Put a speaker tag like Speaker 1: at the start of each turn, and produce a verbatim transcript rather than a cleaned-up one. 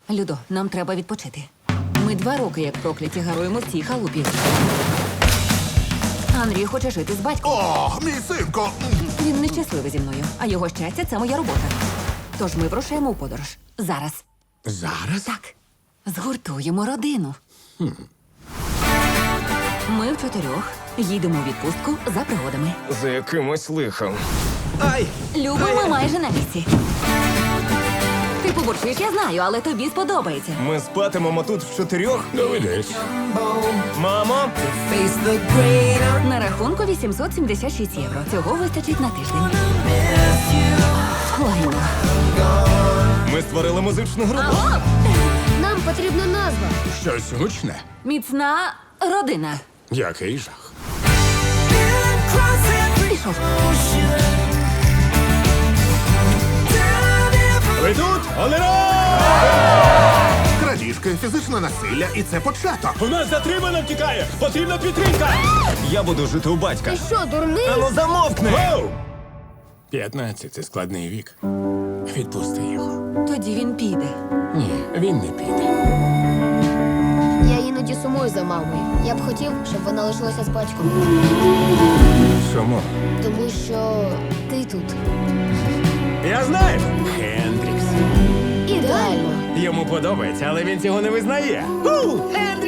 Speaker 1: Людо, нам треба відпочити. Ми два роки, як прокляті, гаруємо в цій халупі. Андрій хоче жити з батьком.
Speaker 2: О, мій синко!
Speaker 1: Він нещасливий зі мною, а його щастя – це моя робота. Тож ми вирушаємо у подорож. Зараз.
Speaker 2: Зараз?
Speaker 1: Так. Згуртуємо родину.
Speaker 2: Хм.
Speaker 1: Ми в чотирьох їдемо у відпустку за пригодами.
Speaker 3: За якимось лихом.
Speaker 2: Ай!
Speaker 1: Любо, ми майже на місці. Ти побурчиш, я знаю, але тобі сподобається.
Speaker 3: Ми спатимемо тут в чотирьох.
Speaker 2: Доведеться.
Speaker 3: Мамо!
Speaker 1: На рахунку вісімсот сімдесят шість євро. Цього вистачить на тиждень. Лайно.
Speaker 3: Ми створили музичну групу.
Speaker 1: Алло!
Speaker 4: Нам потрібна назва.
Speaker 2: Щось гучне.
Speaker 1: Міцна родина.
Speaker 2: Який жах.
Speaker 1: Пішов.
Speaker 3: Ви тут? Олера!
Speaker 2: Крадіжки, фізичне насилля, і це початок.
Speaker 3: У нас затримано втікає! Потрібна підтримка! Я буду жити у батька.
Speaker 4: Ти що, дурний?
Speaker 3: Ану замовкни!
Speaker 2: П'ятнадцять – це складний вік. Відпусти його.
Speaker 1: Тоді він піде.
Speaker 2: Ні, він не піде.
Speaker 4: Я іноді сумую за мамою. Я б хотів, щоб вона лишилася з батьком.
Speaker 2: Чому?
Speaker 4: Тому що ти тут.
Speaker 3: Я знаю!
Speaker 2: Хендрікс.
Speaker 4: Ідеально.
Speaker 3: Йому подобається, але він цього не визнає.